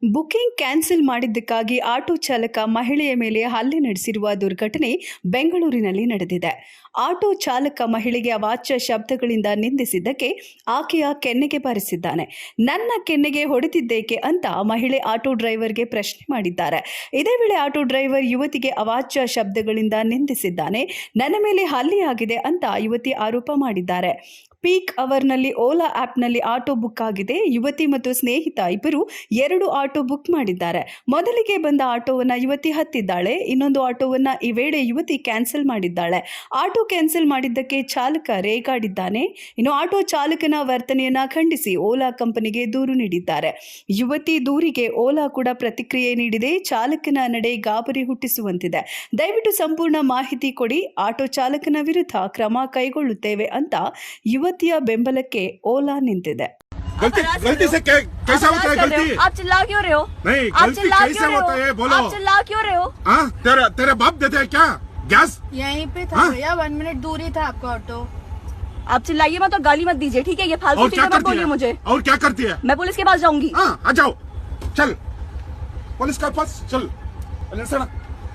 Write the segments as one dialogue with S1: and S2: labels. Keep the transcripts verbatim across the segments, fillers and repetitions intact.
S1: Booking cancel ಮಾಡಿದ್ದಕ್ಕಾಗಿ auto ಚಾಲಕ ಮಹಿಳೆಯ ಮೇಲೆ ಹಲ್ಲೆ ನಡೆಸಿರುವ ದುರ್ಘಟನೆ ಬೆಂಗಳೂರಿನಲ್ಲಿ ನಡೆದಿದೆ. ಆಟೋ ಚಾಲಕ ಮಹಿಳೆಗೆ ಅವಾಚ್ಯ ಶಬ್ದಗಳಿಂದ ನಿಂದಿಸಿದ್ದಕ್ಕೆ ಆಕೆಯ ಕೆನ್ನೆಗೆ ಬಾರಿಸಿದ್ದಾನೆ. ನನ್ನ ಕೆನ್ನೆಗೆ ಹೊಡೆದಿದ್ದೇಕೆ ಅಂತ ಮಹಿಳೆ ಆಟೋ ಡ್ರೈವರ್ಗೆ ಪ್ರಶ್ನೆ ಮಾಡಿದ್ದಾರೆ. ಇದೇ ವೇಳೆ ಆಟೋ ಡ್ರೈವರ್ ಯುವತಿಗೆ ಅವಾಚ್ಯ ಶಬ್ದಗಳಿಂದ ನಿಂದಿಸಿದ್ದಾನೆ. ನನ್ನ ಮೇಲೆ ಹಲ್ಲೆಯಾಗಿದೆ ಅಂತ ಯುವತಿ ಆರೋಪ ಮಾಡಿದ್ದಾರೆ. ಪೀಕ್ ಅವರ್ನಲ್ಲಿ ಓಲಾ ಆ್ಯಪ್ನಲ್ಲಿ ಆಟೋ ಬುಕ್ ಆಗಿದೆ. ಯುವತಿ ಮತ್ತು ಸ್ನೇಹಿತ ಇಬ್ಬರು ಎರಡು ಆಟೋ ಬುಕ್ ಮಾಡಿದ್ದಾರೆ. ಮೊದಲಿಗೆ ಬಂದ ಆಟೋವನ್ನು ಯುವತಿ ಹತ್ತಿದ್ದಾಳೆ. ಇನ್ನೊಂದು ಆಟೋವನ್ನು ಈ ವೇಳೆ ಯುವತಿ ಕ್ಯಾನ್ಸಲ್ ಮಾಡಿದ್ದಾಳೆ. ಆಟೋ ಕ್ಯಾನ್ಸಲ್ ಮಾಡಿದ್ದಕ್ಕೆ ಚಾಲಕ ರೇಗಾಡಿದ್ದಾನೆ. ಇನ್ನು ಆಟೋ ಚಾಲಕನ ವರ್ತನೆಯನ್ನ ಖಂಡಿಸಿ ಓಲಾ ಕಂಪನಿಗೆ ದೂರು ನೀಡಿದ್ದಾರೆ. ಯುವತಿ ದೂರಿಗೆ ಓಲಾ ಕೂಡ ಪ್ರತಿಕ್ರಿಯೆ ನೀಡಿದೆ. ಚಾಲಕನ ನಡೆ ಗಾಬರಿ ಹುಟ್ಟಿಸುವಂತಿದೆ. ದಯವಿಟ್ಟು ಸಂಪೂರ್ಣ ಮಾಹಿತಿ ಕೊಡಿ, ಆಟೋ ಚಾಲಕನ ವಿರುದ್ಧ ಕ್ರಮ ಕೈಗೊಳ್ಳುತ್ತೇವೆ ಅಂತ ಯುವತಿಯ ಬೆಂಬಲಕ್ಕೆ ಓಲಾ ನಿಂತಿದೆ.
S2: गलती गलती से कै, कैसा होता है गलती?
S3: आप चिल्ला क्यों रहे हो?
S2: नहीं, गलती कैसे होता है बोलो?
S3: आप चिल्ला क्यों रहे हो?
S2: हाँ, तेरे तेरे बाप देते हैं क्या गैस?
S4: यहीं पे था
S2: हाँ?
S4: भैया, वन मिनट दूरी था आपका ऑटो।
S3: आप चिल्लाइए मत और गाली मत दीजिए, ठीक है? ये फालतू
S2: और क्या
S3: चीजें मत
S2: करती
S3: बोलिए
S2: है?
S3: मुझे।
S2: और क्या करती है?
S3: मैं पुलिस के पास जाऊंगी।
S2: हाँ, आ जाओ, चल पुलिस के पास चल। सड़क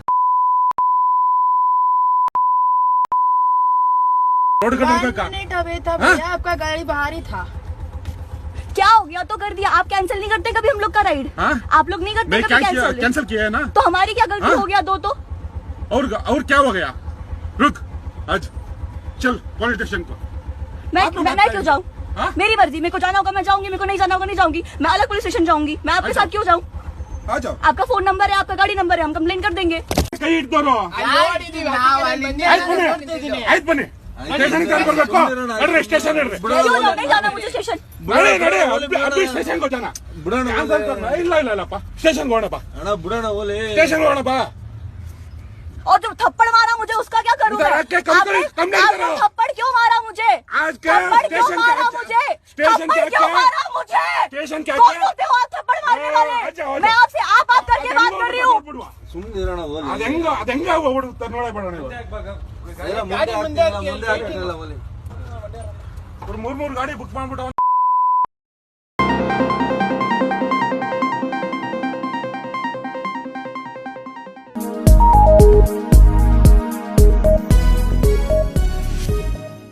S2: रोड का
S4: वन
S2: का
S4: मिनट अवे था भैया, आपका गाड़ी बाहर ही था।
S3: क्या हो गया तो कर दिया। आप कैंसिल नहीं करते कभी हम लोग का राइड?
S2: हाँ?
S3: आप लोग नहीं करते
S2: मैं
S3: कभी
S2: क्या किया?
S3: कैंसिल?
S2: कैंसिल किया है ना?
S3: तो हमारी क्या गलती
S2: हाँ?
S3: हो गया? दो तो
S2: और और क्या हो गया? रुक आज चल पुलिस स्टेशन को।
S3: मैं
S2: आप लोग
S3: मैं,
S2: बात
S3: मैं
S2: करें।
S3: क्यों जाऊँ?
S2: हाँ?
S3: मेरी मर्जी, मेरे को जाना होगा मैं जाऊंगी, मेरे को नहीं जाना होगा नहीं जाऊंगी। मैं अलग पुलिस स्टेशन जाऊंगी। मैं आपके
S2: अच्छा।
S3: साथ क्यों जाऊँ?
S2: आ जाओ।
S3: आपका फोन नंबर है, आपका गाड़ी नंबर है, हम कंप्लेन कर देंगे।
S2: कहीं दोनों आಯ್ತು ಬನ್ನಿ ಆಯ್ತು ಬನ್ನಿ ಸ್ಟೇಷನ್ ಬರ್ಬೇಕು ನಡ್ರಿ ಸ್ಟೇಷನ್ ನಡ್ರಿ
S3: क्यों जाओ? नहीं जाना मुझे स्टेशन।
S2: ನಡಿ ನಡಿ ಅಬ್ಬಿ ಸ್ಟೇಷನ್ ಹೋಗೋಣ ಬಿಡೋಣ ಇಲ್ಲ ಇಲ್ಲ ಇಲ್ಲಪ್ಪ ಸ್ಟೇಷನ್ ಹೋಗೋಣಪ್ಪ
S5: ಅಣ್ಣ ಬಿಡೋಣ ಓಲೆ
S2: ಸ್ಟೇಷನ್ ಹೋಗೋಣಪ್ಪ
S3: और जो थप्पड़ मारा मुझे उसका क्या करूँ?
S2: उधर आके कंप्लेन कंप्लेन
S3: आपने
S2: करो।
S3: थप्पड़ क्यों मारा मुझे?
S2: आज क्या
S3: थप्पड़ क्यों
S2: स्टेशन
S3: मारा
S2: क्या
S3: मुझे?
S2: स्टेशन
S3: थप्पड़
S2: क्या
S3: क्यों
S2: क्या
S3: मारा मुझे?
S2: स्टेशन क्या
S3: कौन
S2: क्या
S3: होते हो आप थप्पड़ मारने वाले?
S2: आ जाओ, आ
S3: मैं
S2: जाओ।
S3: आपसे आप आप करके बात कर रही हूँ।
S5: ಸುಮ್ಮನೆ ಇರೋಣ ಓಲೆ
S2: ಅದ ಹೆಂಗ ಅದ ಹೆಂಗ ಓಡುತ್ತ ನೋಡೇ ಬಿಡೋಣ
S5: ಎಲ್ಲ ಮುಂದೆ ಹಾಕ್ತಿಲ್ಲ, ಮುಂದೆ ಹಾಕ್ತಿಲ್ಲ ಓಲೆ
S2: ಮೂರ್ ಮೂರ್ ಗಾಡಿ ಬುಕ್ ಮಾಡ್ಬಿಟ್ಟು